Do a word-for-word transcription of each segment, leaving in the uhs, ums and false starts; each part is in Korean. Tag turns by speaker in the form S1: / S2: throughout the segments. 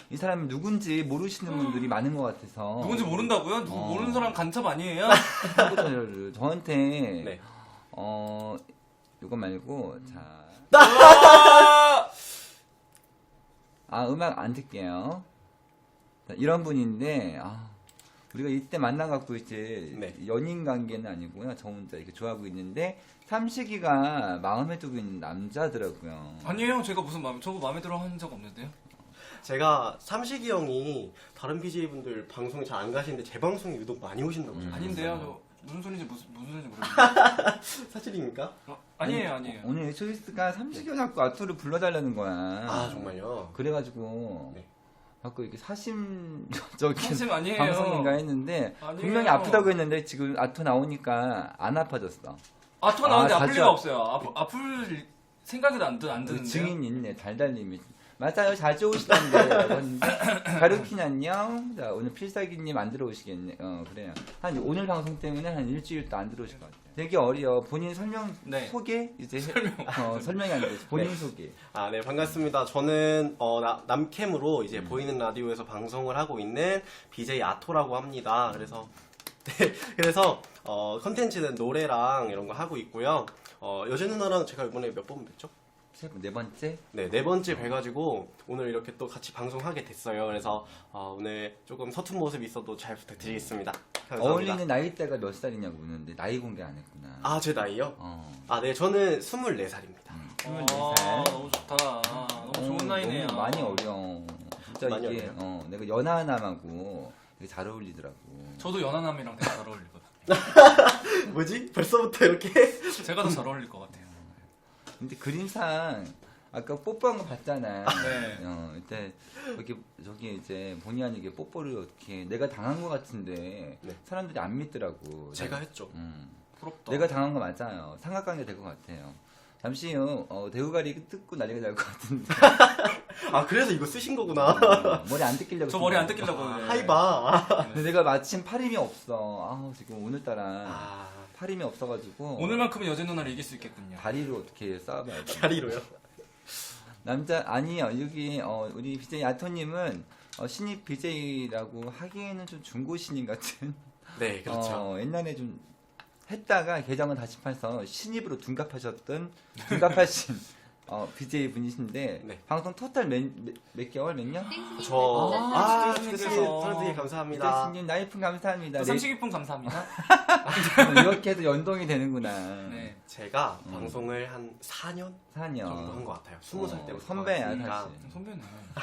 S1: 이 사람이 누군지 모르시는 분들이 많은 것 같아서.
S2: 누군지 모른다고요? 누구
S1: 어.
S2: 모르는 사람 간첩 아니에요?
S1: 저를 저한테
S3: 네.
S1: 어 이거 말고 자.
S2: 아!
S1: 아 음악 안 틀게요. 자, 이런 분인데 아, 우리가 이때 만나갖고 이제
S3: 네.
S1: 연인 관계는 아니고요. 저 혼자 이렇게 좋아하고 있는데 삼식이가 마음에 두고 있는 남자더라고요.
S2: 아니에요. 제가 무슨 마음에 저거 마음에 들어 한 적 없는데요.
S3: 제가 삼식이 형이 다른 비제이분들 방송에 잘 안 가시는데 제 방송에 유독 많이 오신다고.
S1: 음.
S2: 아닌데요. 저 무슨 소리인지 무슨 무슨 소리인지 모르겠어요.
S3: 사실입니까?
S2: 어, 아니에요, 아니에요.
S1: 오늘 초이스가 삼식이가 자꾸 아토를 불러달라는 거야.
S3: 아 정말요?
S1: 그래가지고
S3: 네.
S1: 자꾸 이렇게 사심적인
S2: 사심 아니에요.
S1: 방송인가 했는데
S2: 아니에요.
S1: 분명히 아프다고 했는데 지금 아토 나오니까 안 아파졌어.
S2: 아토 나오는데
S1: 아,
S2: 아플
S1: 자주
S2: 리가
S1: 아-
S2: 없어요. 아프, 아플 생각이 안, 드, 안
S1: 그
S2: 드는데요.
S1: 증인 있네. 달달님이. 맞아요. 자주 오시던데. 라고 했는데 가루킨 안녕. 자, 오늘 필살기님 안 들어오시겠네. 어, 그래요. 한 오늘 방송 때문에 한 일주일도 안 들어오실 것 같아요. 되게 어려. 본인 설명,
S2: 네.
S1: 소개? 이제 설명. 어, 설명이 안 돼. 본인
S3: 네.
S1: 소개.
S3: 아, 네, 반갑습니다. 저는, 어, 나- 남캠으로 이제 보이는 라디오에서 방송을 하고 있는 비제이 아토라고 합니다. 그래서, 네, 그래서, 어, 컨텐츠는 노래랑 이런 거 하고 있고요. 어, 여제 누나랑 제가 이번에 몇 번 뵀죠?
S1: 세 번, 네 번째?
S3: 네, 네 번째 뵈가지고 오늘 이렇게 또 같이 방송하게 됐어요. 그래서, 어, 오늘 조금 서툰 모습 있어도 잘 부탁드리겠습니다. 감사합니다.
S1: 어울리는 나이대가 몇 살이냐고 묻는데 나이 공개 안 했구나.
S3: 아, 제 나이요?
S1: 어.
S3: 아, 네, 저는 스물네 살입니다.
S1: 음,
S2: 아,
S1: 스물네 살.
S2: 너무 좋다. 너무 좋은
S1: 어,
S2: 나이네요.
S1: 너무 많이 어려. 진짜
S3: 많이
S1: 이게
S3: 어려요?
S1: 어, 내가 연하남하고 되게 잘 어울리더라고.
S2: 저도 연하남이랑 되게 잘 어울리거든요.
S3: 뭐지? 벌써부터 이렇게?
S2: 제가 더 잘 어울릴 것 같아요.
S1: 근데 그림상 아까 뽀뽀한 거 봤잖아.
S2: 네.
S1: 어, 이때 이렇게 저기 이제 본의 아니게 뽀뽀를 어떻게 내가 당한 거 같은데
S3: 네.
S1: 사람들이 안 믿더라고.
S3: 제가 했죠.
S1: 음.
S2: 부럽다.
S1: 내가 당한 거 맞아요. 삼각관계 될 것 같아요. 잠시 후 어, 대우가리 뜯고 난리가 날 것 같은데
S3: 아, 그래서 이거 쓰신 거구나.
S1: 어, 머리 안 뜯기려고.
S2: 저 머리 안
S1: 쓴 거야.
S2: 뜯기려고. 네.
S3: 하이바.
S1: 근데 내가 마침 팔 힘이 없어. 아 지금 오늘따라
S3: 아,
S1: 팔 힘이 없어가지고
S2: 오늘만큼은 여제 누나를 이길 수 있겠군요.
S1: 다리로 어떻게 싸워봐야 돼.
S3: 다리로요?
S1: 남자 아니요 여기 어, 우리 비제이 아토님은 어, 신입 비제이라고 하기에는 좀 중고 신인 같은.
S3: 네, 그렇죠.
S1: 어, 옛날에 좀 했다가 계정은 다시 파서 신입으로 둔갑하셨던 둔갑하신 어, 비제이 분이신데
S3: 네.
S1: 방송 토탈 몇, 몇, 몇 개월 몇 년?
S3: 저,
S2: 아,
S3: 아,
S2: 스트레스님께서.
S3: 스트레스님, 스트레스님 감사합니다.
S1: 비제이님 나이프 감사합니다. 네,
S2: 삼식이품 감사합니다.
S1: 이렇게 해도 연동이 되는구나.
S2: 네.
S3: 제가
S1: 음.
S3: 방송을 한 사 년
S1: 사 년.
S3: 정도 한 것 같아요. 스무 살
S1: 어,
S3: 때부터.
S1: 선배야,
S3: 했으니까.
S1: 사실.
S2: 선배네.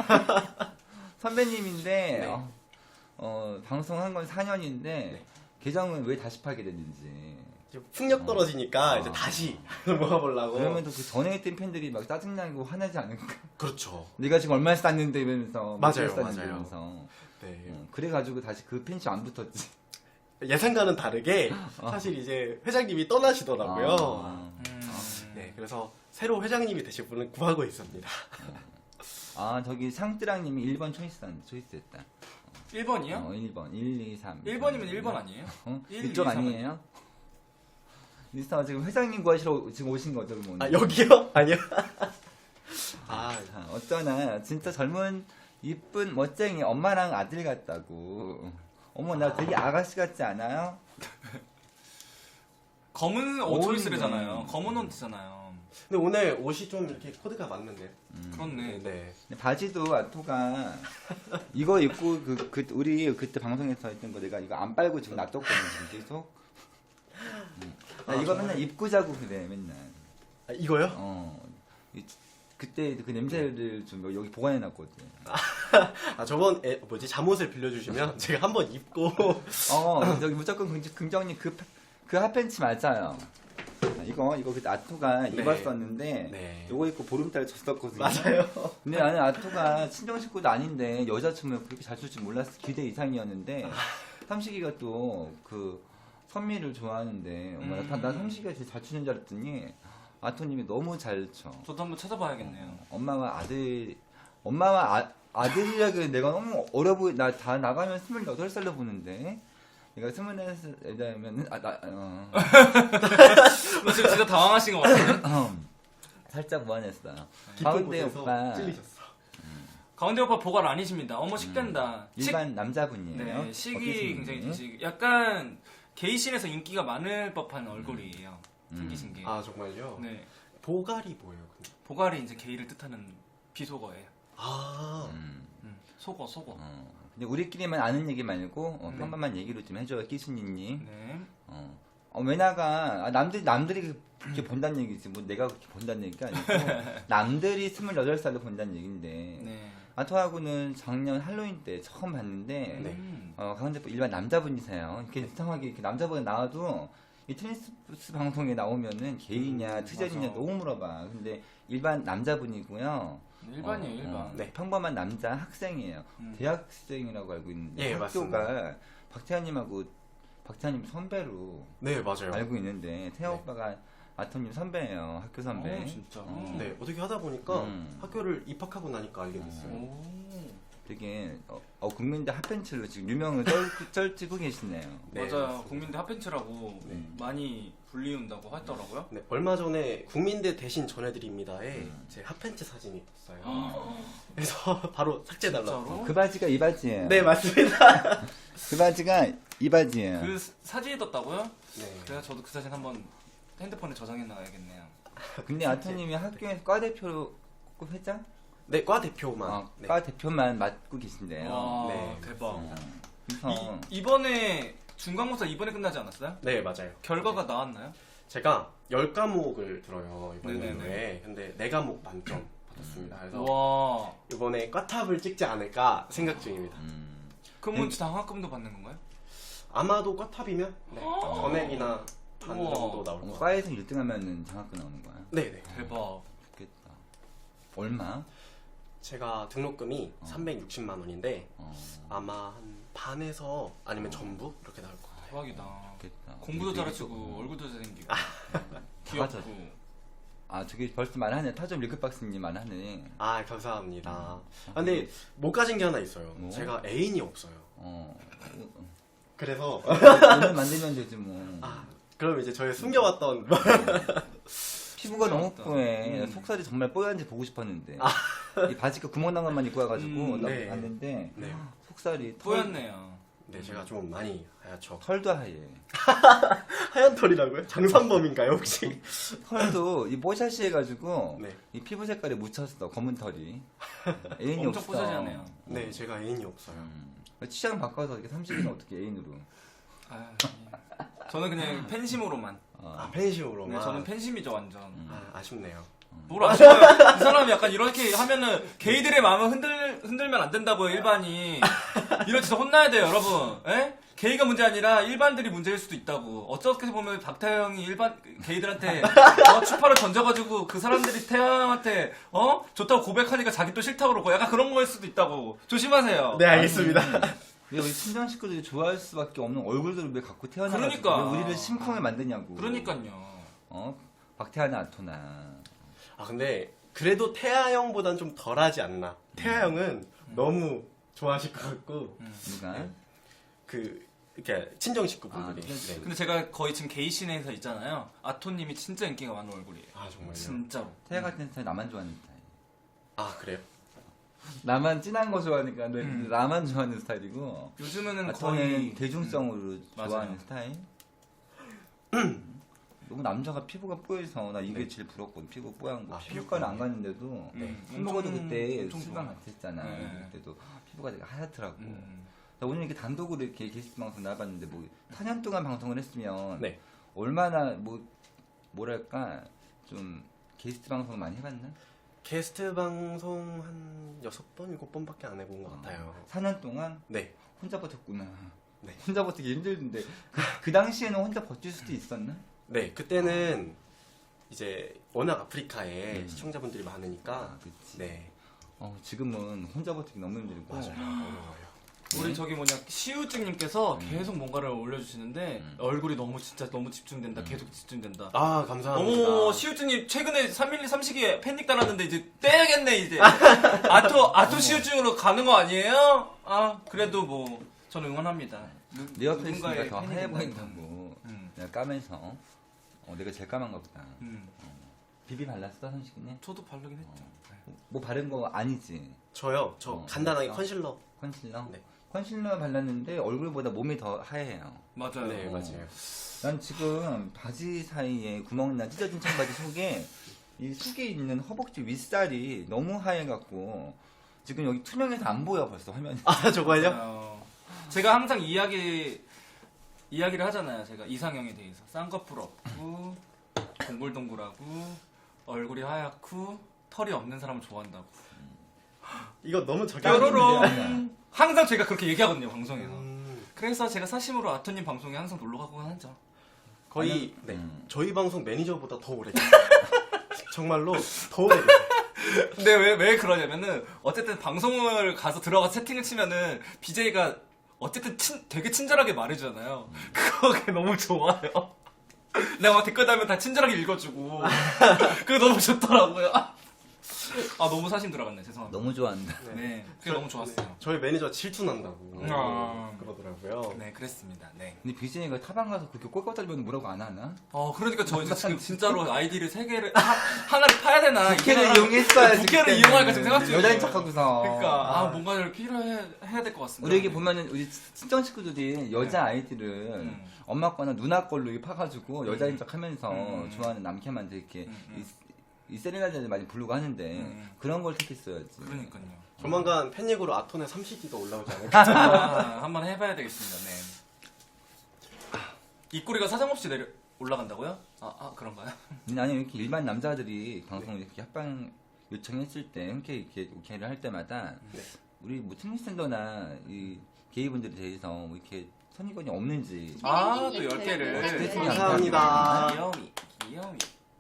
S1: 선배님인데
S3: 네.
S1: 어, 어, 방송한 건 사 년인데
S3: 네.
S1: 계정은 왜 다시 팔게 됐는지.
S3: 이제 풍력 떨어지니까
S1: 어.
S3: 이제 다시 모아보려고.
S1: 그러면 또 그 전에 했던 팬들이 막 짜증나고 화나지 않을까?
S3: 그렇죠.
S1: 네가 지금 얼마 쌌는데 이러면서
S3: 맞아요,
S1: 몇 살 쌌는데
S3: 맞아요.
S1: 이러면서.
S3: 네.
S1: 어, 그래가지고 다시 그 팬심 안 붙었지.
S3: 예상과는 다르게 사실 이제 회장님이 떠나시더라고요.
S1: 아,
S2: 음.
S3: 네, 그래서 새로 회장님이 되실 분을 구하고 있습니다.
S1: 아, 저기 상뜨랑님이 일 번 초이스한데 초이스했다.
S2: 일 번이요?
S1: 어, 일 번, 일, 이, 삼.
S2: 일 번이면 일 번 아니에요?
S1: 어?
S2: 일,
S1: 이쪽
S2: 이, 삼
S1: 아니에요? 리스타 지금 회장님 구하시러 지금 오신 거죠, 그럼 오늘?
S3: 아, 여기요? 아니요. 아,
S1: 자, 어쩌나 진짜 젊은 이쁜 멋쟁이 엄마랑 아들 같다고. 어머 나 되게 아가씨 같지 않아요?
S2: 검은 옷
S1: 어울리네.
S2: 초이스래잖아요. 검은 옷이잖아요.
S3: 근데 오늘 옷이 좀 이렇게 코드가 맞는데.
S2: 그렇네.
S3: 네.
S1: 근데 바지도 아토가 이거 입고 그, 그 우리 그때 방송에서 했던 거 내가 이거 안 빨고 지금 놔뒀거든 지금 계속. 음. 나
S3: 아,
S1: 이거
S3: 정말?
S1: 맨날 입고 자고 그래 맨날.
S3: 아, 이거요?
S1: 어. 이- 그때 그 냄새를 좀 여기 보관해놨거든.
S3: 아, 저번 에, 뭐지 잠옷을 빌려주시면 제가 한번 입고
S1: 어, 저기 무조건 긍, 긍정님 그, 그 핫팬츠 맞아요. 아, 이거, 이거 그 아토가
S3: 네.
S1: 입었었는데,
S3: 네.
S1: 이거 입고 보름달 줬었거든요.
S3: 맞아요.
S1: 근데 나는 아토가 친정 식구도 아닌데, 여자 춤을 그렇게 잘 출 줄 몰랐어. 기대 이상이었는데, 삼식이가 또 그 선미를 좋아하는데, 어머, 나, 나 삼식이가 제일 잘 추는 줄 알았더니, 아토님이 너무 잘 춰.
S2: 저도 한번 찾아봐야겠네요.
S1: 엄마와 아들, 엄마와 아, 아들이라 그래. 내가 너무 어려 보이, 나 다 나가면 스물여덟 살로 보는데. 내가 스물네 살이면은, 아, 나, 어.
S2: 너 지금 진짜 당황하신 것 같아요.
S1: 살짝 무안했어요.
S3: 깊은
S1: 가운데
S3: 곳에서
S1: 오빠,
S3: 찔리셨어.
S2: 가운데 오빠 보갈 아니십니다. 어머 식된다. 식-
S1: 일반 남자분이에요.
S2: 네, 식이
S1: 어떠신
S2: 굉장히
S1: 분이?
S2: 되시 약간 게이신에서 인기가 많을 법한 얼굴이에요.
S1: 음.
S2: 생기신 게.
S3: 아 정말요?
S2: 네.
S3: 보갈이 뭐예요? 근데?
S2: 보갈이 이제 게이를 뜻하는 비속어예요.
S3: 아
S1: 음.
S2: 음, 속어, 속어.
S1: 어. 근데 우리끼리만 아는 얘기 말고 어,
S2: 네.
S1: 평범한 얘기로 좀 해줘요, 끼순이님.
S2: 네.
S1: 어. 어, 왜냐가 아, 남들 남들이 그렇게 본다는 얘기지 뭐 내가 그렇게 본다는 얘기가 아니고 남들이 스물여덟 살로 본다는 얘기인데
S2: 네.
S1: 아토하고는 작년 할로윈 때 처음 봤는데
S3: 네.
S2: 음.
S1: 어, 강원대 일반 남자분이세요. 이렇게 이상하게 이렇게 남자분 나와도 이 테니스 방송에 나오면은 게이냐
S2: 음,
S1: 트전이냐
S2: 맞아.
S1: 너무 물어봐. 근데 일반 남자분이고요.
S2: 일반이에요,
S1: 어,
S2: 일반.
S1: 어,
S3: 네.
S1: 평범한 남자 학생이에요.
S2: 음.
S1: 대학생이라고 알고 있는데
S3: 예,
S1: 학교가 박태환님하고 박태환님 선배로
S3: 네 맞아요.
S1: 알고 있는데 태아
S3: 네.
S1: 오빠가 아토님 선배예요. 학교 선배.
S2: 어, 진짜.
S1: 어.
S3: 네 어떻게 하다 보니까
S1: 음.
S3: 학교를 입학하고 나니까 알게 됐어요.
S2: 오.
S1: 되게 어, 어, 국민대 핫팬츠로 지금 유명을 쩔, 쩔지고 계시네요.
S3: 네,
S2: 맞아요.
S3: 맞습니다.
S2: 국민대 핫팬츠라고
S3: 네.
S2: 많이 불리운다고 하더라고요.
S3: 네, 얼마 전에 국민대 대신 전해드립니다에
S1: 음.
S3: 제 핫팬츠 사진이 떴어요. 그래서 바로 삭제달라고.
S2: 진짜로?
S1: 그 바지가 이 바지예요.
S3: 네 맞습니다.
S1: 그 바지가 이 바지예요.
S2: 그 사- 사진이 떴다고요?
S3: 네.
S2: 그래서 저도 그 사진 한번 핸드폰에 저장해 놔야겠네요.
S1: 근데 아토님이 학교에서 과 대표 꼭 회장?
S3: 네, 과 대표만.
S1: 어,
S3: 네.
S1: 과 대표만 맡고 계신데요.
S2: 와,
S3: 네.
S2: 대박.
S1: 어, 그래서
S2: 이, 이번에 중간고사 이번에 끝나지 않았어요?
S3: 네, 맞아요.
S2: 결과가 나왔나요?
S3: 제가 열 과목을 들어요, 이번
S2: 네네네.
S3: 연도에. 근데 네 과목 만점 받았습니다. 그래서
S2: 와.
S3: 이번에 과탑을 찍지 않을까 생각 중입니다.
S1: 음,
S2: 그러면 장학금도 받는 건가요?
S3: 아마도 과탑이면 네, 전액이나 반
S2: 우와.
S3: 정도 나올
S1: 어,
S3: 것 같아요.
S1: 과에서 일 등 하면은 장학금 나오는 거야.
S3: 네네.
S2: 대박.
S1: 좋겠다. 얼마?
S3: 제가 등록금이
S1: 어.
S3: 삼백육십만 원인데
S1: 어,
S3: 아마 한 반에서 아니면 전부 이렇게 나올 것 같아요.
S2: 대박이다.
S1: 좋겠다.
S2: 공부도
S1: 되게
S2: 잘하시고
S1: 좀-
S2: 얼굴도 잘생기고
S1: 맞아.
S2: 귀엽고.
S1: 아, 저기 벌써 말하네. 타점 리크박스님 말하네.
S3: 아 감사합니다. 아, 근데 못 가진 게 하나 있어요.
S1: 뭐?
S3: 제가 애인이 없어요.
S1: 어.
S3: 그래서
S1: 오늘 만들면 되지 뭐.
S3: 아, 그럼 이제 저의 숨겨왔던
S1: 피부가 너무
S2: 부럽다.
S1: 뽀해.
S2: 음.
S1: 속살이 정말 뽀얀지 보고 싶었는데. 이 바지가 구멍 난 것만 입고 와가지고
S2: 음,
S1: 나
S3: 네.
S1: 봤는데
S3: 네,
S1: 속살이 털,
S2: 뿌였네요.
S3: 네 제가 좀 많이 하얗죠.
S1: 털도 하얘.
S3: 하얀 털이라고요? 장산범인가요 혹시?
S1: 털도 이 뽀샤시 해가지고
S3: 네,
S1: 이 피부 색깔에 묻혔어. 검은 털이. 애인이
S2: 엄청
S1: 없어.
S2: 뽀샤시하네요.
S3: 네 제가 애인이 없어요.
S1: 음. 취향 바꿔서 이렇게 삼십이는 어떻게 애인으로?
S2: 아, 저는 그냥 팬심으로만.
S1: 어.
S3: 아 팬심으로만.
S2: 네, 저는 팬심이죠 완전.
S3: 아, 아쉽네요.
S2: 뭘 아쉬워요? 이 사람이 약간 이렇게 하면은 게이들의 마음을 흔들 흔들면 안 된다고요 일반이. 이런 진짜 혼나야 돼요 여러분. 에? 게이가 문제 아니라 일반들이 문제일 수도 있다고. 어떻게 보면 박태영이 일반 게이들한테 어, 추파를 던져가지고 그 사람들이 태영한테 어 좋다고 고백하니까 자기 또 싫다고 그러고 약간 그런 거일 수도 있다고. 조심하세요.
S3: 네 알겠습니다.
S1: 왜 우리 친정 식구들이 좋아할 수밖에 없는 얼굴들을 왜 갖고 태어나가지고
S2: 그러니까.
S1: 왜 우리를 심쿵을 만드냐고.
S2: 그러니까요.
S1: 어? 박태환이나 아토나.
S3: 아 근데 그래도 태아 형보단 좀 덜하지 않나. 태아 형은 너무 좋아하실 것 같고
S1: 누가?
S3: 네. 그 이렇게 친정 식구분들이.
S1: 아, 그렇지.
S3: 네.
S2: 근데 제가 거의 지금 게이신에서 있잖아요. 아토님이 진짜 인기가 많은 얼굴이에요.
S3: 아 정말요?
S2: 진짜로.
S1: 태아 같은 스타일 나만 좋아하는 스타일.
S3: 아 그래요?
S1: 나만 진한 거 좋아하니까 내-
S2: 음.
S1: 나만 좋아하는 스타일이고
S2: 요즘에는
S1: 아토는
S2: 거의
S1: 대중성으로
S2: 음.
S1: 좋아하는
S2: 맞아요.
S1: 스타일. 너무 남자가 피부가 뽀여서 나 이게
S3: 네.
S1: 제일 부럽거든. 피부 뽀얀 거.
S3: 아,
S1: 피부과는 안
S3: 피부과.
S1: 갔는데도
S2: 네.
S1: 술 먹어도
S2: 엄청-
S1: 그때
S2: 엄청
S1: 술방
S2: 좋아.
S1: 같이 했잖아.
S2: 네.
S1: 그때도 피부가 되게 하얗더라고.
S2: 음.
S1: 나 오늘 이렇게 단독으로 이렇게 게스트 방송 나와봤는데 뭐 사 년 동안 방송을 했으면
S3: 네.
S1: 얼마나 뭐 뭐랄까 좀 게스트 방송 많이 해봤나?
S3: 게스트 방송 한 여섯 번 일곱 번밖에 안 해본 것 같아요.
S1: 사 년 동안
S3: 네.
S1: 혼자 버텼구나.
S3: 네.
S1: 혼자 버티기 힘들던데 그, 그 당시에는 혼자 버틸 수도 있었나?
S3: 네 그때는 이제 워낙 아프리카에
S1: 음.
S3: 시청자분들이 많으니까.
S1: 아, 그치.
S3: 네.
S1: 어, 지금은 혼자 버티기 너무 힘들고.
S3: 맞아요. 어려워요.
S2: 우리 저기 뭐냐 시우증님께서
S1: 음.
S2: 계속 뭔가를 올려주시는데
S1: 음.
S2: 얼굴이 너무 진짜 너무 집중된다.
S1: 음.
S2: 계속 집중된다.
S3: 아 감사합니다.
S2: 어머 시우증님 최근에 삼일리 삼식이에 팬닉 달았는데 이제 떼야겠네 이제. 아토 아토 시우증으로 가는 거 아니에요? 아 그래도 뭐 저는 응원합니다. 누-
S1: 내 옆에 있으니까
S2: 누군가의
S1: 더
S2: 팬이
S1: 하얘
S2: 된다니까.
S1: 보인다고
S2: 음.
S1: 내가 까면서 어, 내가 제일 까만가 보다.
S2: 음.
S1: 비비 발랐어 삼식이네?
S2: 저도 바르긴 했죠. 네.
S1: 뭐 바른 거 아니지?
S3: 저요. 저
S1: 어,
S3: 간단하게
S1: 그랬어?
S3: 컨실러.
S1: 컨실러?
S3: 네.
S1: 컨실러 발랐는데 얼굴보다 몸이 더 하얘요.
S2: 맞아요.
S3: 네,
S1: 어.
S3: 맞아요.
S1: 난 지금 바지 사이에 구멍나 찢어진 청바지 속에 이 속에 있는 허벅지 윗살이 너무 하얘갖고 지금 여기 투명해서 안 보여 벌써 화면이.
S3: 아, 저거요?
S2: 맞아요. 제가 항상 이야기 이야기를 하잖아요. 제가 이상형에 대해서 쌍꺼풀 없고 동글동글하고 얼굴이 하얗고 털이 없는 사람을 좋아한다고.
S3: 이거 너무 저기
S2: 뾰로롱. 항상 제가 그렇게 얘기하거든요 방송에서.
S3: 음,
S2: 그래서 제가 사심으로 아토님 방송에 항상 놀러 가곤 하죠.
S3: 거의
S1: 아니,
S3: 네.
S1: 음.
S3: 저희 방송 매니저보다 더 오래 계세요. 정말로 더 오래 계세요.
S2: 근데 왜, 왜 그러냐면은, 어쨌든 방송을 가서 들어가 채팅을 치면은, 비제이가 어쨌든 친, 되게 친절하게 말해주잖아요. 그거 너무 좋아요. 내가 막 댓글 달면 다 친절하게 읽어주고. 그게 너무 좋더라고요. 아, 너무 사심 들어갔네. 죄송합니다.
S1: 너무 좋아한다.
S2: 네. 그게 너무 좋았어요.
S3: 저희 매니저 질투난다고
S2: 아.
S3: 그러더라고요.
S2: 네, 그랬습니다. 네.
S1: 근데 비진이가 타방 가서 그렇게 꼴깍달면 뭐라고 안 하나?
S2: 어, 그러니까 저 이제 지금 진짜로 아이디를 세 개를, 하, 하나를 파야 되나.
S1: 부캐를
S2: 이거랑-
S1: 이용했어야지.
S2: 부캐를
S1: 그때는.
S2: 이용할까 지금 생각 중이에요.
S1: 여자인 척하고서.
S2: 그러니까, 아, 뭔가를 필요해, 해야 될 것 같습니다.
S1: 우리 여기 보면은 우리 친정 식구들이 여자 아이들을
S2: 음.
S1: 엄마 거나 누나 걸로 이렇게 파가지고 여자인 척 하면서
S2: 음.
S1: 좋아하는 남캠한테 이렇게
S2: 음, 음.
S1: 이, 이 세레나데를 많이 부르고 하는데
S2: 음.
S1: 그런 걸 택했어야지.
S2: 그러니까요.
S3: 조만간 팬닉으로 아톤의 삼식이가 올라오지 않을까?
S2: 아, 한번 해봐야 되겠습니다. 네. 입꼬리가 사정없이 내려 올라간다고요? 아, 아 그런가요?
S1: 근데 아니 이렇게 일반 남자들이 방송 이렇게 합방 요청했을 때 흔쾌히 이렇게 오케이를 할 때마다
S3: 네.
S1: 우리 뭐 트랜스젠더나 이 게이분들에 대해서 뭐 이렇게 선입견이 없는지
S2: 아, 또 열 개를.
S1: 어떻게 했으면
S3: 감사합니다.
S2: 귀여움이, 귀여움이.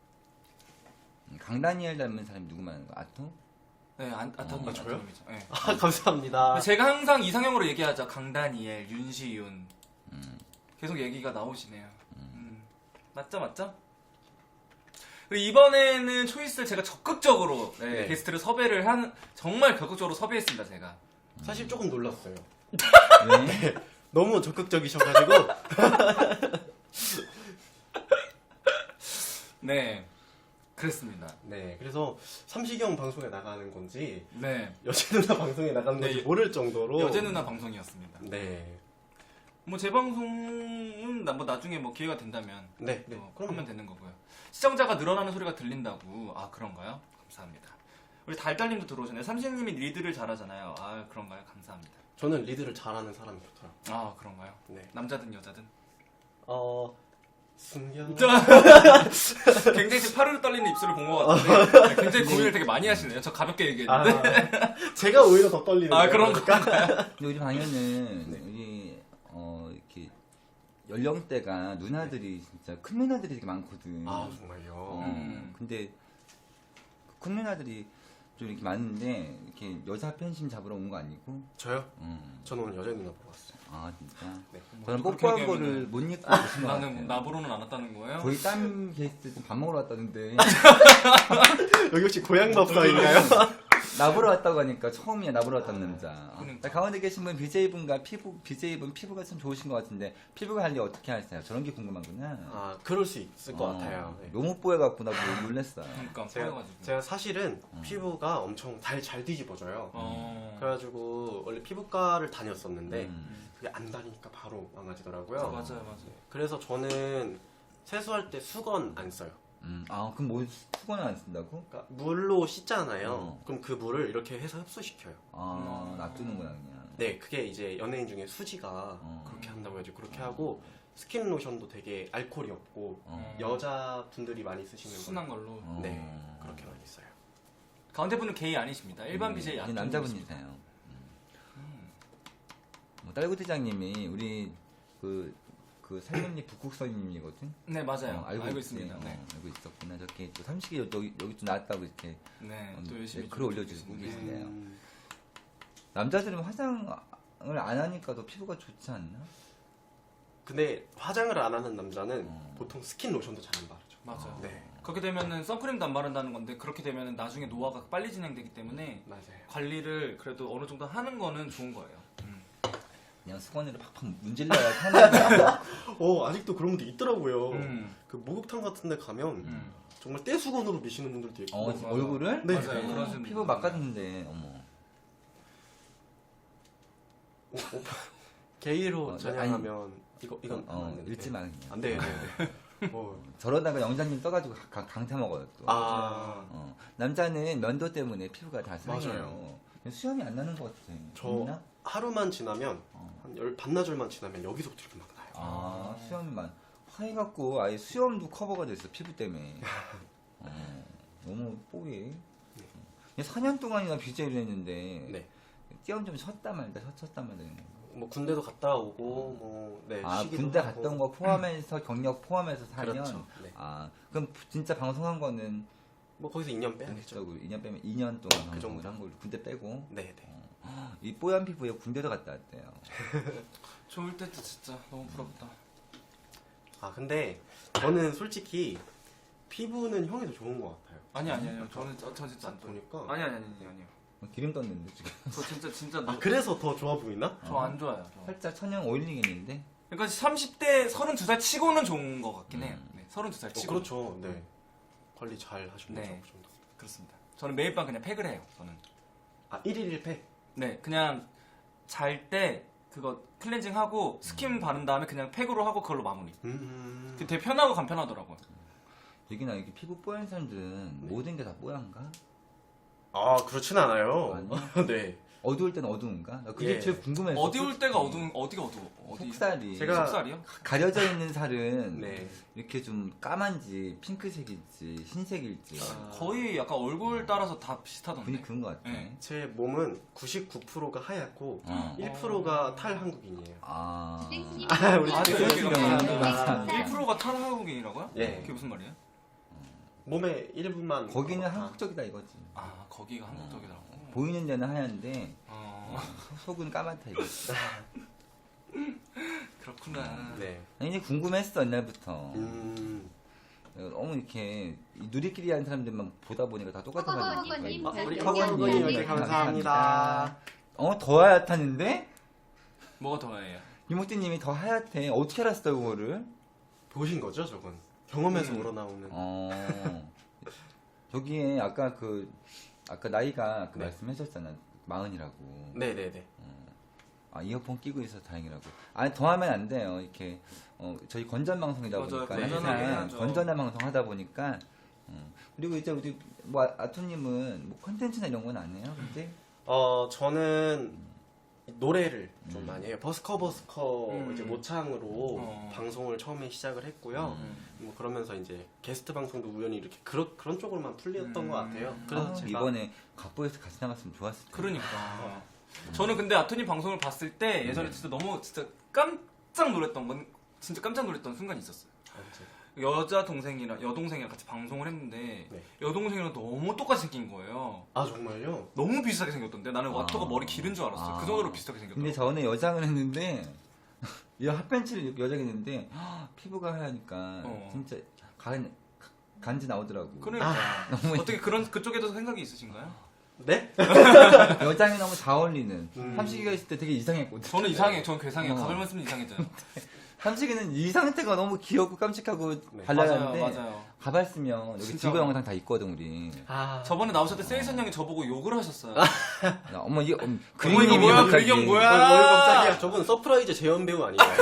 S1: 강다니엘 닮은 사람이 누구 말하는 거? 아토?
S2: 네, 안, 아토님,
S3: 아, 저요?
S2: 아토님이죠. 네.
S3: 아, 감사합니다.
S2: 제가 항상 이상형으로 얘기하죠. 강다니엘, 윤시윤.
S1: 음.
S2: 계속 얘기가 나오시네요. 음. 맞죠, 맞죠? 그리고 이번에는 초이스를 제가 적극적으로 네,
S3: 네.
S2: 게스트를 섭외를 한 정말 적극적으로 섭외했습니다, 제가.
S3: 사실 조금 놀랐어요.
S1: 왜?
S3: 너무 적극적이셔가지고
S2: 네, 그랬습니다.
S3: 네, 그래서 삼식형 방송에 나가는 건지
S2: 네,
S3: 여제 누나 방송에 나가는 건지
S2: 네,
S3: 모를 정도로
S2: 여제 누나 방송이었습니다.
S3: 네,
S2: 뭐 제 방송은 나- 뭐 나중에 뭐 기회가 된다면
S3: 네, 네.
S2: 어,
S3: 그럼
S2: 하면 되는 거고요. 시청자가 늘어나는 소리가 들린다고. 아 그런가요? 감사합니다. 우리 달달님도 들어오셨네요. 삼식님이 리드를 잘하잖아요. 아 그런가요? 감사합니다.
S3: 저는 리드를 잘하는 사람이 좋더라고요.
S2: 아 그런가요?
S3: 네,
S2: 남자든 여자든.
S3: 어 숨겨.
S2: 굉장히 지금 파르르 떨리는 입술을 본 것 같은데 굉장히 고민을 되게 많이 하시네요. 저 가볍게
S3: 아,
S2: 얘기했는데.
S3: 제가 오히려 더 떨리는.
S2: 아,
S3: 거예요.
S2: 그런
S1: 근데 우리 방에는
S3: 네.
S1: 우리 어 이렇게 연령대가 누나들이 진짜 큰 누나들이 되게 많거든.
S3: 아 정말요.
S1: 어,
S2: 음.
S1: 근데 큰 누나들이 좀 이렇게 많은데 이렇게 여자 팬심 잡으러 온 거 아니고?
S3: 저요?
S1: 음.
S3: 저는 오늘 여자 누나 보러 왔어요.
S1: 아 진짜.
S3: 네.
S1: 저는
S2: 뭐
S1: 뽀뽀한
S2: 그렇게
S1: 거를
S2: 얘기하면은
S1: 못 입고 오신 것 같아요.
S2: 나는 나보로는 안 왔다는 거예요?
S1: 거의 딴 게스트 밥 먹으러 왔다는데
S3: 여기 혹시 고향 밥사인가요?
S1: 나보러 왔다고 하니까 처음이야 나보러 왔다는 남자.
S2: 그러니까.
S1: 가운데 계신 분 비제이분과 피부 비제이분 피부가 참 좋으신 것 같은데 피부 관리 어떻게 하세요? 저런 게 궁금하구나.
S3: 아 그럴 수 있을 것
S1: 어,
S3: 같아요. 네.
S1: 너무 뽀여갖고 나 너무 놀랬어요.
S2: 그러니까
S3: 제가,
S2: 보여가지고.
S3: 제가 사실은 피부가 엄청 잘, 잘 뒤집어져요.
S2: 어.
S3: 그래가지고 원래 피부과를 다녔었는데
S1: 음.
S3: 그게 안 다니니까 바로 망가지더라고요.
S2: 맞아요, 맞아요.
S3: 그래서 저는 세수할 때 수건 안 써요.
S1: 음. 아 그럼 뭐 수건을 안 쓴다고?
S3: 그러니까 물로 씻잖아요.
S1: 어.
S3: 그럼 그 물을 이렇게 해서 흡수시켜요.
S1: 아
S2: 음.
S1: 놔두는구나 그냥.
S3: 네, 그게 이제 연예인 중에 수지가
S1: 어.
S3: 그렇게 한다고 해가지고 그렇게 하고 스킨 로션도 되게 알코올이 없고
S1: 어.
S3: 여자분들이 많이 쓰시는 거.
S2: 순한 걸로.
S1: 어.
S3: 네, 그렇게 많이 써요.
S2: 가운데 분은 게이 아니십니다. 일반
S1: 음,
S2: 비제이
S1: 이제
S2: 아토님
S1: 남자분이세요. 음. 뭐 딸구대장님이 우리 그, 그 살림리 북국선님이거든.
S2: 네 맞아요.
S1: 어,
S2: 알고,
S1: 알고,
S2: 있습니다.
S1: 있지.
S2: 네.
S1: 어, 알고 있었구나. 저렇게 또 삼식이 여기 여기 또 나왔다고 이렇게
S2: 네,
S1: 어,
S2: 또 열심히
S1: 네, 글
S2: 좀
S1: 올려주시고
S2: 해주시는데.
S1: 계시네요.
S3: 음,
S1: 남자들은 화장을 안 하니까 더 피부가 좋지 않나?
S3: 근데 화장을 안 하는 남자는
S1: 어.
S3: 보통 스킨 로션도 잘 안 바르죠.
S2: 맞아요.
S3: 네,
S2: 그렇게 되면은 선크림도 안 바른다는 건데 그렇게 되면은 나중에 노화가 빨리 진행되기 때문에
S3: 맞아요.
S2: 관리를 그래도 어느 정도 하는 거는 좋은 거예요. 음.
S1: 그냥 수건으로 팍팍 문질러야 편하게.
S3: 어, 아직도 그런 분들 있더라고요.
S2: 음.
S3: 그 목욕탕 같은 데 가면
S2: 음.
S3: 정말 떼수건으로 미시는 분들도 있고.
S1: 어,
S2: 맞아.
S1: 얼굴을?
S3: 네.
S2: 맞아요. 그런 분
S1: 피부 막았는데 어머.
S3: 오, 오빠 게이로
S1: 어,
S3: 전향하면 이거 이건
S1: 어,
S3: 하면 안 되는데.
S1: 읽지 마 그냥.
S3: 안 돼요. 네, 네. 어.
S1: 저러다가 영장님 떠가지고 강, 강타 먹어요 또.
S3: 아,
S1: 어, 남자는 면도 때문에 피부가 다 상해요.
S3: 맞아요.
S1: 수염이 안 나는 것 같아.
S3: 저
S1: 있나?
S3: 하루만 지나면
S1: 어.
S3: 한 열 반나절만 지나면 여기서부터 이렇게 막 나요.
S1: 아, 수염만 화해갖고 아예 수염도 커버가 됐어 피부 때문에. 어, 너무 뽀개. 사 년 동안이나 비제이를 했는데
S3: 네.
S1: 띄엄 좀 쉬었다 말다 쉬었다 말다.
S3: 뭐 군대도 갔다 오고 뭐 네.
S1: 아
S3: 쉬기도
S1: 군대
S3: 하고.
S1: 갔던 거 포함해서 경력 포함해서 사 년.
S3: 그렇죠. 네.
S1: 아 그럼 진짜 방송한 거는
S3: 뭐 거기서 이 년 빼야겠죠.
S1: 본격적으로 이 년 빼면 이 년 동안
S3: 그
S1: 방송을
S3: 정도.
S1: 한 걸로 군대 빼고.
S3: 네, 네.
S1: 이 뽀얀 피부에 군대도 갔다 왔대요.
S2: 좋을 때도 진짜 너무 부럽다.
S3: 아 근데 저는 솔직히 피부는 형이 더 좋은 것 같아요.
S2: 아니 아니 아니요. 저는 저, 저 진짜 안 좋아요.
S3: 보니까.
S2: 아니 아니 아니 아니 아니요.
S1: 기름 떴는데 지금.
S2: 저 진짜 진짜
S3: 아 그래서 더 좋아 보이나?
S2: 저 안 좋아요. 저.
S1: 살짝 천연 오일링했는데.
S2: 그러니까 삼십 대 서른두 살 치고는 좋은 것 같긴 해요. 네, 서른두 살
S3: 어,
S2: 치고.
S3: 그렇죠. 네. 관리 잘 하시는
S2: 네.
S3: 거죠. 그 정도.
S2: 그렇습니다. 저는 매일 밤 그냥 팩을 해요. 저는.
S3: 아 일일 일 팩.
S2: 네, 그냥 잘 때 그거 클렌징 하고 스킨 바른 다음에 그냥 팩으로 하고 그걸로 마무리.
S3: 음.
S2: 그 되게 편하고 간편하더라고요.
S1: 여기나 이렇게 피부 뽀얀 사람들은 모든 게 다 뽀얀가?
S3: 아 그렇진 않아요.
S1: 아니요?
S3: 네.
S1: 어두울 때는 어두운가? 나 그게
S3: 예.
S1: 제일 궁금해서.
S2: 어디올 때가 어두운 어디가 어두워? 어디?
S1: 속살이.
S3: 제가-
S2: 속살이요?
S1: 가려져 있는 살은
S3: 네.
S1: 이렇게 좀 까만지 핑크색일지 흰색일지
S3: 아.
S2: 거의 약간 얼굴 따라서 다 비슷하던데.
S1: 분이 그런 것 같아.
S2: 네.
S3: 제 몸은 구십구 퍼센트가 하얗고
S1: 어.
S3: 일 퍼센트가 탈한국인이에요.
S1: 아.
S3: 아, 우리
S2: 아,
S3: 네,
S2: 네,
S1: 그런 경우는
S3: 감사합니다.
S2: 일 퍼센트가 탈한국인이라고요?
S3: 예.
S2: 그게 무슨 말이에요?
S3: 몸의 일부만
S1: 거기는
S3: 아,
S1: 한국적이다 이거지.
S2: 아, 거기가 한국적이라고.
S1: 보이는 데는 하얀데
S2: 어,
S1: 속은 까맣다 이거.
S2: 그렇구나.
S3: 네.
S1: 아니 근데 궁금했어 옛날부터.
S3: 음.
S1: 너무 이렇게 이 누리끼리 하는 사람들만 보다 보니까 다 똑같은
S4: 허거님
S1: 말이니까.
S3: 아,
S4: 잘
S3: 우리
S4: 들었습니다.
S3: 허건님 이렇게
S4: 네,
S3: 감사합니다.
S1: 어, 더 하얗다는데?
S2: 뭐가 더 나아요?
S1: 이모띠님이 더 하얗대. 어떻게 알았어요, 그거를?
S3: 보신 거죠, 저건? 경험에서
S2: 음.
S3: 우러나오는.
S1: 어. 저기에 아까 그, 아까 나이가 그
S3: 네.
S1: 말씀하셨잖아. 마흔이라고.
S3: 네네네.
S1: 아, 이어폰 끼고 있어서 다행이라고. 아니, 더 하면 안 돼요. 이렇게, 어, 저희 건전 방송이다
S2: 맞아요.
S1: 보니까.
S2: 건전하게
S1: 항상
S2: 해야죠.
S1: 건전한 방송 하다 보니까. 음. 그리고 이제 우리, 뭐, 아- 아토님은 뭐 컨텐츠나 이런 건 안 해요? 근데?
S3: 어, 저는 노래를 좀
S1: 음.
S3: 많이 해요. 버스커 버스커
S2: 음.
S3: 이제 모창으로
S2: 어.
S3: 방송을 처음에 시작을 했고요.
S2: 음.
S3: 뭐 그러면서 이제 게스트 방송도 우연히 이렇게 그런 그런 쪽으로만 풀렸던
S2: 음.
S3: 것 같아요. 그래서
S1: 아,
S3: 제가
S1: 이번에 갑보에서 같이 나갔으면 좋았을 텐데.
S2: 그러니까. 저는 근데 아토님 방송을 봤을 때 예전에 진짜 너무 진짜 깜짝 놀랐던 건 진짜 깜짝 놀랐던 순간이 있었어요.
S3: 아, 이제
S2: 여자 동생이랑 여동생이랑 같이 방송을 했는데
S3: 네.
S2: 여동생이랑 너무 똑같이 생긴 거예요.
S3: 아 정말요?
S2: 너무 비슷하게 생겼던데 나는
S1: 아.
S2: 와터가 머리 기른 줄 알았어요.
S1: 아.
S2: 그 정도로 비슷하게 생겼더라고요.
S1: 근데 전에 여장을 했는데 이 핫팬츠를 여장 했는데 헉, 피부가 하얘니까
S2: 어.
S1: 진짜 간, 간지 나오더라고.
S2: 그러니까
S1: 너무
S2: 어떻게 그런 그쪽에도 생각이 있으신가요?
S3: 네?
S1: 여장이 너무 잘 어울리는.
S3: 음.
S1: 삼식이가 있을 때 되게 이상했거든.
S2: 저는 이상해요. 저는 괴상해요.
S1: 어.
S2: 가발만 쓰면 이상해져요.
S1: 삼식이는 이 상태가 너무 귀엽고 깜찍하고
S3: 네.
S1: 발랄한데
S2: 맞아요, 맞아요.
S1: 가발 쓰면 여기
S2: 진짜.
S1: 지구 영상 다 있거든 우리.
S3: 아
S2: 저번에 나오셨을 때 세이선 형이 저보고 욕을 하셨어요.
S1: 나 어머 이게 음,
S2: 어머, 이거 뭐야?
S1: 갑자기.
S2: 그리경 뭐야?
S3: 어, 뭐 깜짝이야. 저분 서프라이즈 재현 배우 아닌가요?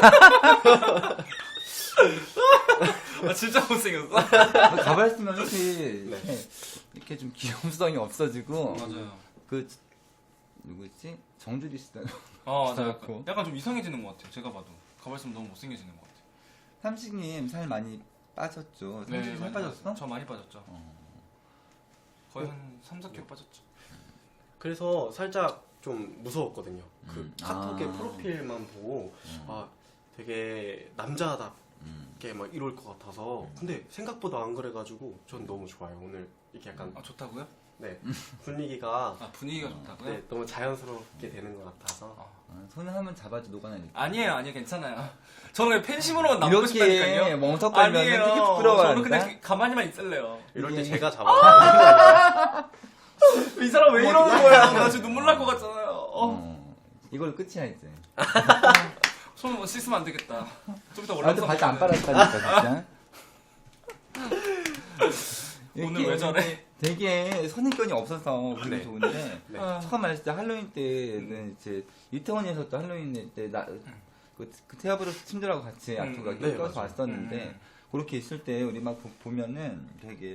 S2: 아, 진짜 못생겼어.
S1: 가발 쓰면 이렇게
S3: 네.
S1: 이렇게, 이렇게 좀 귀염성이 없어지고
S2: 맞아요.
S1: 그 누구지 정주리 씨다.
S2: 어, 맞아요.
S1: 그렇고.
S2: 약간 좀 이상해지는 것 같아요. 제가 봐도 가발 쓰면 너무 못생겨지는 것 같아요.
S1: 삼식님 살 많이 빠졌죠. 삼식이 살
S2: 많이
S1: 빠졌어?
S2: 빠졌- 저 많이 빠졌죠.
S1: 어.
S2: 거의 한 삼, 사 킬로 빠졌죠.
S3: 그래서 살짝 좀 무서웠거든요. 그
S1: 음.
S3: 카톡의
S1: 아.
S3: 프로필만 보고
S1: 음.
S3: 아 되게 남자답게
S1: 음.
S3: 막 이럴 것 같아서 근데 생각보다 안 그래가지고 전 너무 좋아요. 오늘 이렇게 약간
S2: 아, 좋다고요?
S3: 네 분위기가
S2: 아, 분위기가 좋다고요?
S3: 네, 너무 자연스럽게 되는 것 같아서
S2: 아,
S1: 아, 손을 한번 잡아도 녹아나니까.
S2: 아니에요, 아니에요, 괜찮아요. 저는 그냥 팬심으로만 남고
S1: 이렇게
S2: 싶다니까요.
S1: 멍석거리면 되게
S2: 저는
S1: 부끄러워한다.
S2: 그냥 가만히만 있을래요.
S3: 이럴
S1: 이게-
S3: 때 제가 잡아요.
S2: 이 사람 왜 이러는 거야? 나 지금 눈물 날 것 같잖아요. 어.
S1: 어. 이걸로 끝이야 이제.
S2: 손 뭐 씻으면 안 되겠다. 좀 이따
S1: 나한테
S2: 올라가서
S1: 바지 안
S2: 먹어야 돼.
S1: 빨았다니까 진짜.
S2: 오늘 왜 저래?
S1: 되게 선입견이 없어서 그게
S3: 네.
S1: 좋은데
S3: 네.
S2: 아,
S1: 처음 알았을 때 할로윈 때는 이제 이태원에서 또 할로윈 때나그 그 테아브로스 팀들하고 같이
S2: 음,
S1: 아토가
S3: 네,
S1: 껴서
S3: 맞아요.
S1: 왔었는데
S2: 음.
S1: 그렇게 있을 때 우리 막 보- 보면은 되게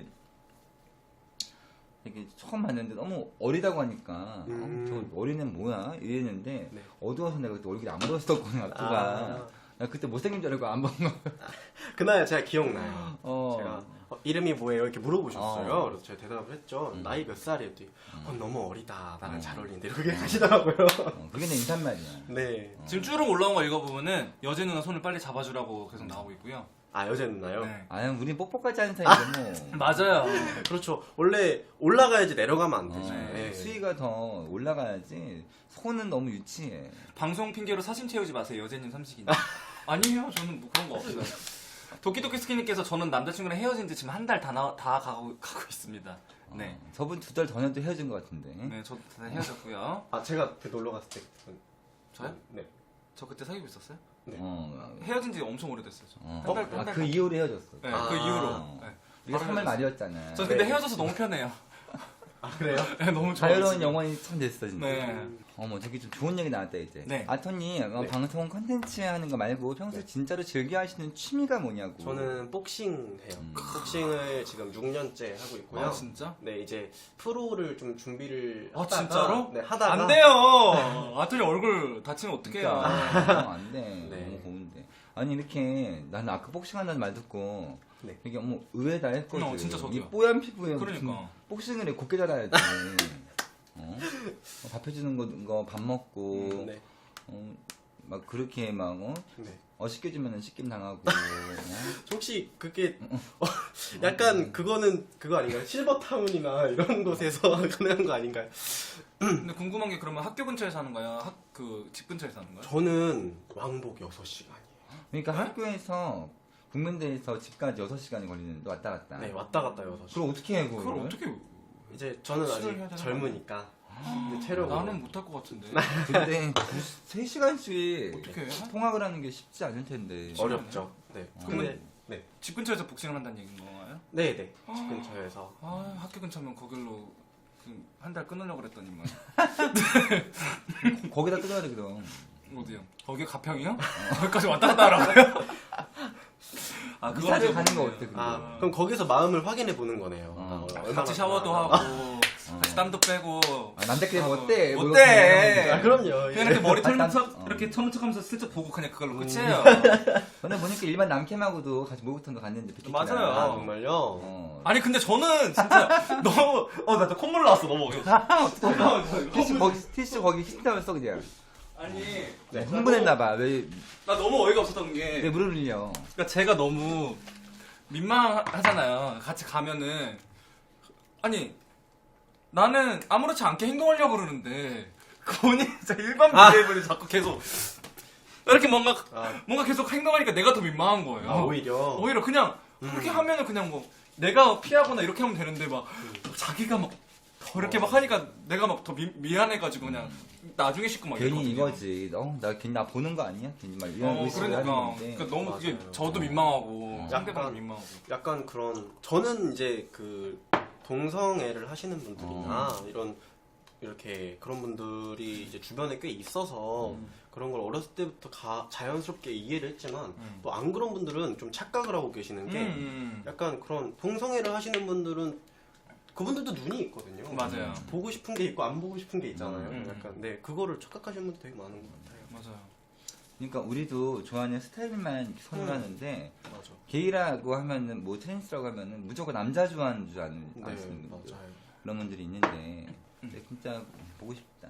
S1: 되게 처음 봤는데 너무 어리다고 하니까
S3: 음.
S1: 어, 저 어린애는 뭐야 이랬는데
S3: 네.
S1: 어두워서 내가 그때 얼굴이 안 보였었거든 아토가
S3: 아.
S1: 나 그때 못생긴 줄 알고 안 본 거.
S3: 그날 제가 기억나요.
S1: 어.
S3: 제가 어, 이름이 뭐예요? 이렇게 물어보셨어요.
S1: 어.
S3: 그래서 제가 대답을 했죠.
S1: 음.
S3: 나이 몇 살이었더니 어, 너무 어리다. 나랑
S1: 음.
S3: 잘 어울리는데 이렇게 하시더라고요.
S1: 어, 그게 내 인사말이야.
S3: 네.
S2: 지금 쭉 올라온 거 읽어보면은 여제 누나 손을 빨리 잡아주라고 계속 나오고 있고요.
S3: 아 여자 누나요?
S2: 네.
S1: 아유 우린 뽀뽀까지 하는 사이인데 뭐.
S2: 맞아요.
S3: 그렇죠. 원래 올라가야지 내려가면 안 되죠.
S1: 어,
S3: 네.
S1: 수위가 더 올라가야지. 손은 너무 유치해.
S2: 방송 핑계로 사진 채우지 마세요. 여제님 삼식이님. 아니에요. 저는 뭐 그런 거 없어요. 도끼도끼 스키님께서 저는 남자친구랑 헤어진 지 지금 한 달 다 다 가고, 가고 있습니다. 네.
S1: 어, 저분 두 달 전에도 헤어진 것 같은데.
S2: 네, 저도 다 헤어졌고요.
S3: 아 제가 그 놀러 갔을 때.
S2: 저요?
S3: 네.
S2: 저 그때 사귀고 있었어요?
S3: 네.
S1: 어,
S2: 헤어진 지 엄청 오래됐어요. 저.
S1: 어.
S2: 한 달, 한
S1: 아,
S2: 달.
S1: 그 이후로 헤어졌어.
S2: 네,
S3: 아.
S2: 그 이후로. 네.
S1: 우리가
S2: 바로
S1: 삼 월
S2: 헤어졌어요.
S1: 말이었잖아.
S2: 저 근데
S3: 네.
S2: 헤어져서 너무 편해요.
S3: 아 그래요?
S2: 네, 너무 좋아요.
S1: 자유로운 영혼이 참 됐어 진짜.
S2: 네.
S1: 어머 저기 좀 좋은 얘기 나왔다 이제.
S2: 네.
S1: 아토니 어,
S3: 네.
S1: 방송 컨텐츠 하는 거 말고 평소에
S3: 네.
S1: 진짜로 즐겨 하시는 취미가 뭐냐고.
S3: 저는 복싱 해요.
S1: 음.
S3: 복싱을 지금 육 년째 하고 있고요.
S2: 아, 진짜?
S3: 네 이제 프로를 좀 준비를
S2: 아,
S3: 하다가
S2: 진짜로?
S3: 네 하다가
S2: 안 돼요. 아토니 얼굴 다치면 어떡해요.
S1: 그러니까, 어, 안 돼.
S3: 네.
S1: 너무 고운데. 아니 이렇게 나는 아까 복싱 한다는 말 듣고
S3: 네.
S1: 되게 어머 의외다 했거든.
S2: 어, 진짜 저도요.
S1: 이 뽀얀 피부에
S2: 그러니까.
S1: 무슨 복싱을 해 곱게 자라야지. 어? 어, 밥 해주는 거 밥 먹고
S3: 음, 네.
S1: 어, 막 그렇게 막 어?
S3: 네.
S1: 어쉽게 주면은 씻김 당하고 어?
S3: 혹시 그게 어, 약간 그거는 그거 아닌가요? 실버타운이나 이런 곳에서 가능한 거 아닌가요?
S2: 근데 궁금한 게 그러면 학교 근처에서 하는 거야? 학, 그, 집 근처에서 하는 거야?
S3: 저는 왕복 여섯 시간이에요.
S1: 그러니까
S2: 네?
S1: 학교에서 국민대에서 집까지 여섯 시간이 걸리는데 왔다 갔다.
S3: 네 왔다 갔다 여섯 시간.
S1: 그럼 어떻게 해 그걸?
S2: 그걸 어떻게.
S3: 이제 저는
S2: 수련을 해야
S3: 아직
S2: 되나?
S3: 젊으니까 이제 체력으로
S2: 나는 못할 것 같은데.
S1: 근데 세 시간씩
S2: 어떻게 해?
S1: 통학을 하는 게 쉽지 않을 텐데.
S3: 어렵죠. 네.
S2: 그러면-
S3: 근데 네.
S2: 집 근처에서 복싱을 한다는 얘기인 건가요?
S3: 네네 집 근처에서
S2: 아, 학교 근처면 거길로 한 달 끊으려고 그랬더니만.
S1: 거기다 끊어야 돼 그럼.
S2: 어디요? 거기 가평이요? 거기까지 왔다 갔다 하라고요? 아, 그거
S1: 이사를 가는 거 어때? 그거?
S3: 아 그럼 거기서 마음을 확인해 보는 거네요.
S1: 어.
S3: 아, 얼마나
S2: 같이 샤워도
S3: 좋아.
S2: 하고, 같이 땀도 빼고.
S1: 아, 남자끼리 뭐 어때? 뭐
S2: 어때?
S1: 이렇게
S3: 아 그럼요.
S2: 그냥 이렇게 머리 털는
S1: 난-
S2: 척,
S1: 어.
S2: 이렇게 터는 척 하면서 슬쩍 보고 그냥 그걸로 끝이에요.
S1: 저는 보니까 일반 남캠하고도 같이 목욕탕도 갔는데 비키니랑.
S2: 맞아요.
S3: 아 정말요?
S1: 어.
S2: 아니, 근데 저는 진짜 너무, 어, 나 콧물 나왔어, 너무 어이없어.
S1: 티슈 거기 티슈 거기 씻다면서 그냥.
S2: 아니,
S1: 네, 흥분했나봐. 왜,
S2: 나 너무 어이가 없었던 게.
S1: 왜 물을 흘려?
S2: 그러니까 제가 너무 민망하잖아요. 같이 가면은 아니 나는 아무렇지 않게 행동하려고 그러는데 그분이 진짜 일반 비해분이 자꾸 계속 이렇게 뭔가
S3: 아,
S2: 뭔가 계속 행동하니까 내가 더 민망한 거예요.
S3: 아, 오히려
S2: 오히려 그냥 그렇게 하면은 그냥 뭐 내가 피하거나 이렇게 하면 되는데 막 자기가 막 더 이렇게 막 하니까 내가 막 더 미안해가지고 그냥 나중에 씻고 막
S1: 괜히
S2: 이러거든요.
S1: 이거지. 어, 나 괜히 나 보는 거 아니야? 괜히 막 이런
S2: 어,
S1: 의식을
S2: 그러니까,
S1: 하는 건데.
S2: 그러니까 너무 그게
S3: 맞아요.
S2: 저도
S3: 어.
S2: 민망하고
S1: 어.
S2: 상대방도
S3: 약간
S2: 민망하고.
S3: 약간 그런 저는 이제 그 동성애를 하시는 분들이나
S1: 어.
S3: 이런 이렇게 그런 분들이 이제 주변에 꽤 있어서
S2: 음.
S3: 그런 걸 어렸을 때부터 가, 자연스럽게 이해를 했지만
S2: 음.
S3: 또 안 그런 분들은 좀 착각을 하고 계시는 게
S2: 음, 음.
S3: 약간 그런 동성애를 하시는 분들은 그분들도 눈이 있거든요.
S2: 맞아요.
S3: 보고 싶은 게 있고 안 보고 싶은 게 있잖아요.
S2: 음.
S3: 약간 네 그거를 착각하시는 분들 되게 많은 것 같아요.
S2: 맞아요.
S1: 그러니까 우리도 좋아하는 스타일만 선호하는데
S3: 맞아.
S1: 게이라고 하면은 뭐 트랜스라고 하면은 무조건 남자 좋아하는 줄 아는
S3: 네
S1: 아시는 분들
S3: 맞아요.
S1: 그런 분들이 있는데 근데 진짜 보고 싶다.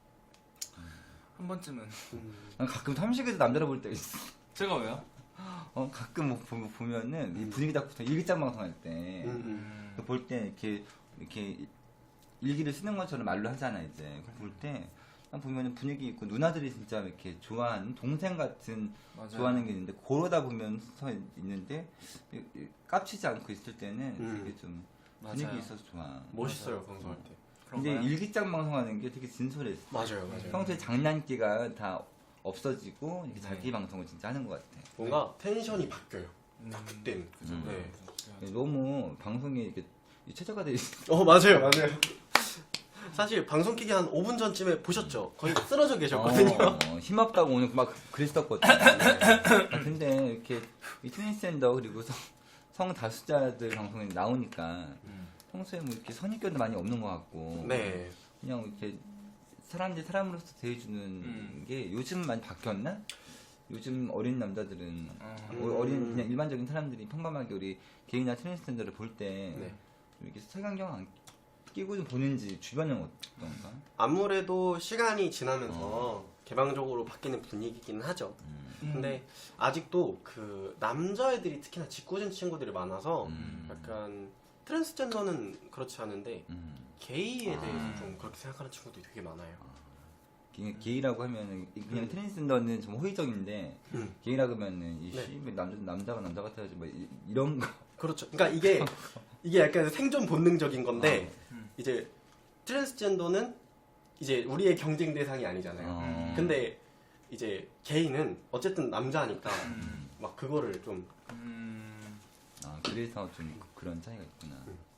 S2: 한 번쯤은.
S3: 음.
S1: 난 가끔 삼식에도 남자를 볼 때 있어.
S2: 제가 왜요?
S1: 어 가끔 뭐 보- 보면은 이 분위기 잡고 일기장 방송할 때
S3: 음.
S1: 볼 때 이렇게 이렇게 일기를 쓰는 것처럼 말로 하잖아 이제 볼 때 보면은 분위기 있고 누나들이 진짜 이렇게 좋아하는 동생 같은
S2: 맞아요.
S1: 좋아하는 게 있는데 그러다 보면 서 있는데 이- 이- 깝치지 않고 있을 때는
S3: 음.
S1: 되게 좀
S2: 맞아요.
S1: 분위기 있어서 좋아.
S3: 멋있어요 방송할 때.
S1: 근데
S2: 그런가요?
S1: 일기장 방송하는 게 되게 진솔했어.
S3: 맞아요, 맞아요.
S1: 평소에 장난기가 다 없어지고 이렇게
S2: 네.
S1: 자기 방송을 진짜 하는 것 같아.
S3: 뭔가 텐션이 바뀌어요.
S2: 음.
S3: 딱 그때는.
S1: 음.
S3: 네.
S1: 너무 방송이 이렇게 최저가 돼 있어.
S3: 어 맞아요 맞아요. 사실 방송 키기 한 오 분 전쯤에 보셨죠? 거의 쓰러져 계셨거든요.
S1: 어, 어, 힘없다고 오늘 막 그랬었거든요. 아, 근데 이렇게 이 트랜스젠더 그리고 성, 성다수자들 방송에 나오니까
S2: 음.
S1: 평소에 뭐 이렇게 선입견도 많이 없는 것 같고
S3: 네.
S1: 그냥 이렇게 사람들 사람으로서 대해주는
S2: 음.
S1: 게 요즘 많이 바뀌었나? 요즘 어린 남자들은
S2: 어.
S1: 어, 어린 그냥 일반적인 사람들이 평범하게 우리 게이나 트랜스젠더를 볼 때
S3: 네.
S1: 이렇게 색안경 안 끼고 좀 보는지 주변은 어떤가?
S3: 아무래도 시간이 지나면서
S1: 어.
S3: 개방적으로 바뀌는 분위기긴 하죠.
S2: 음.
S3: 근데 아직도 그 남자애들이 특히나 짓궂은 친구들이 많아서
S1: 음.
S3: 약간 트랜스젠더는 그렇지 않은데
S1: 음.
S3: 게이에 대해서
S2: 아.
S3: 좀 그렇게 생각하는 친구들이 되게 많아요.
S1: 그냥 게이라고 하면은 그냥
S3: 음.
S1: 트랜스젠더는 좀 호의적인데
S3: 음.
S1: 게이라고 하면은 이
S3: 네.
S1: 씨, 왜 남자 남자가 남자 같아야지 뭐 이- 이런 거.
S3: 그렇죠. 그러니까 이게 이게 약간 생존 본능적인 건데
S2: 음.
S3: 이제 트랜스젠더는 이제 우리의 경쟁 대상이 아니잖아요.
S1: 어.
S3: 근데 이제 게이는 어쨌든 남자니까
S2: 음.
S3: 막 그거를 좀
S2: 음.
S1: 아 그래서 좀 그런 차이가 있구나.
S3: 음.